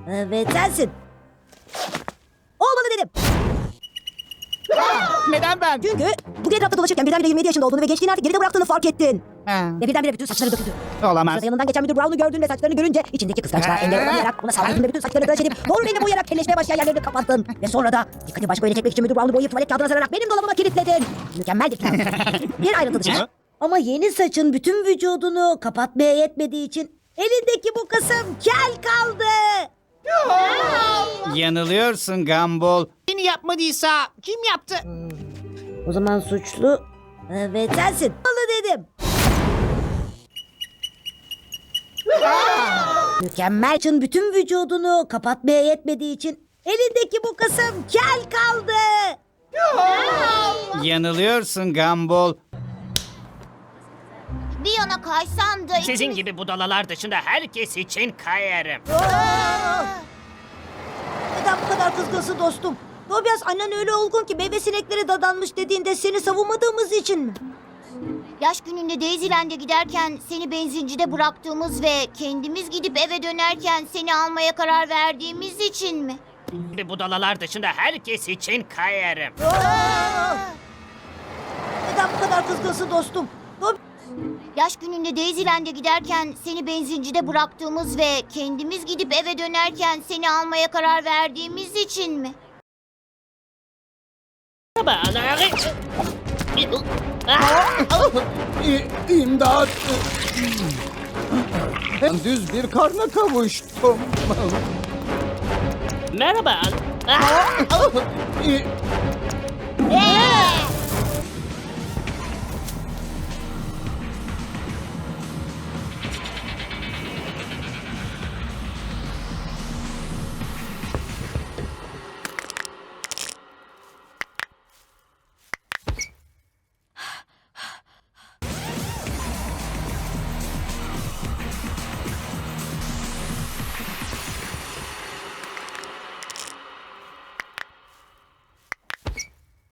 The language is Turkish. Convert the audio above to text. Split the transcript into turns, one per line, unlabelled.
Evet sensin. Olmalı dedim.
Neden ben?
Çünkü bugün etrafta dolaşırken birdenbire 27 yaşında olduğunu ve gençliğini artık geride bıraktığını fark ettin.
Ha,
Ve birdenbire bütün saçları döküldü.
olamaz.
Sırada yanından geçen müdür Brown'u gördün ve saçlarını görünce içindeki kıskançlığa engel olamayarak ona saldırdın ve bütün saçlarını tıraş edip doğru renge boyayarak kelleşmeye başlayan yerlerini kapattın. Ve sonra da dikkati başka yöne çekmek için müdür Brown'u boyayıp tuvalet kağıdına sararak benim dolabıma kilitledin. Mükemmel bir plan. Bir ayrıntı dışında. Ama yeni saçın bütün vücudunu kapatmaya yetmediği için elindeki bu kısım kel kaldı.
Yanılıyorsun Gumball.
Beni yapmadıysa kim yaptı?
O zaman suçlu evet sensin. Olmalı dedim. Mükemmel saçın bütün vücudunu kapatmaya yetmediği için elindeki bu kısım kel kaldı.
Yanılıyorsun Gumball.
Bir yana kaysan da...
Sizin gibi budalalar dışında herkes için kayarım.
Neden bu kadar kızgınsın dostum? Tobias annen öyle olgun ki meyve sinekleri dadanmış dediğinde seni savunmadığımız için mi?
Yaş gününde Daisyland'e giderken seni benzincide bıraktığımız ve kendimiz gidip eve dönerken seni almaya karar verdiğimiz için mi?
Gibi budalalar dışında herkes için kayarım.
Neden bu kadar kızgınsın dostum?
Yaş gününde Daisyland'e giderken seni benzincide bıraktığımız ve kendimiz gidip eve dönerken seni almaya karar verdiğimiz için mi?
İmdat! Düz bir karna kavuştum.
Merhaba.
İ-
Ee!